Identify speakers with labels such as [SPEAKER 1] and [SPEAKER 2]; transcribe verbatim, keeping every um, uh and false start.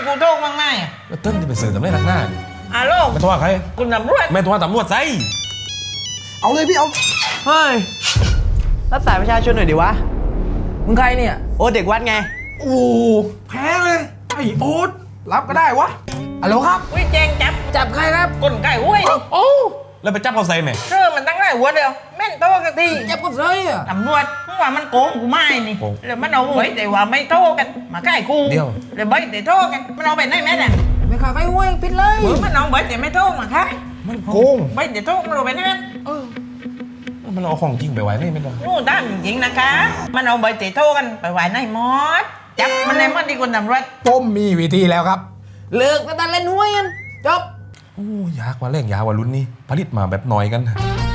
[SPEAKER 1] กูโทษบ้างไหมอ่ะ
[SPEAKER 2] แล้วเติ้ลจะไปสื่อทำไมนักหน้า
[SPEAKER 1] ฮัลโหล
[SPEAKER 2] ไม่โทรหาใคร
[SPEAKER 1] คุณตำรวจ
[SPEAKER 2] ไม่โทรหาตำรวจไซ
[SPEAKER 3] เอาเลยพี่เอา
[SPEAKER 4] เฮ้ย รับสายประชาชนหน่อยดิวะ มึงใครเนี่ย โอ้เด็กวัดไง
[SPEAKER 3] โอ้แพ้เลยไอ้โอ๊ตรับก็ได้วะฮัลโหลครับ
[SPEAKER 1] วิแจงจับ
[SPEAKER 3] จับใครครับ
[SPEAKER 1] กลไก่ห้วยนี่
[SPEAKER 3] โอ้
[SPEAKER 2] แล้วไปจับเขาใส่ไหม
[SPEAKER 1] เชื่อมันตั้งได้หัวเดียวแม่นโตกันที
[SPEAKER 3] จับก็ใช่อะ
[SPEAKER 1] ตำรวจมึงว่ามันโกงกูไม่นี่แล้วมันเอาไว้แต่ว่าไม่โทษกันมาใกล้กูแล้วใบแต่โทษกันมันเอาไปไหนแม่น่ะ
[SPEAKER 3] ไม่ขาใครห้วยปิดเลย
[SPEAKER 1] มันเอาใบแต่ไม่โทษมาค่ะ
[SPEAKER 2] มันโกง
[SPEAKER 1] ใบแต่โทษมันเอาไปไหนแม่
[SPEAKER 2] มันเอาของจริงไปไว้นี่ไม่ได้
[SPEAKER 1] นู่นตามจริงๆนะคะ มันเอาใบแต่โทษกันไปไว้ในมอสจับมันในมอสดีกว่าตำรวจ
[SPEAKER 3] ผมมีวิธีแล้วครับ เลิกกันตันเล่นห้วยกันจบ
[SPEAKER 2] โอ้ยากว่าแรงยากว่ารุ่นนี้ผลิตมาแบบน้อยกัน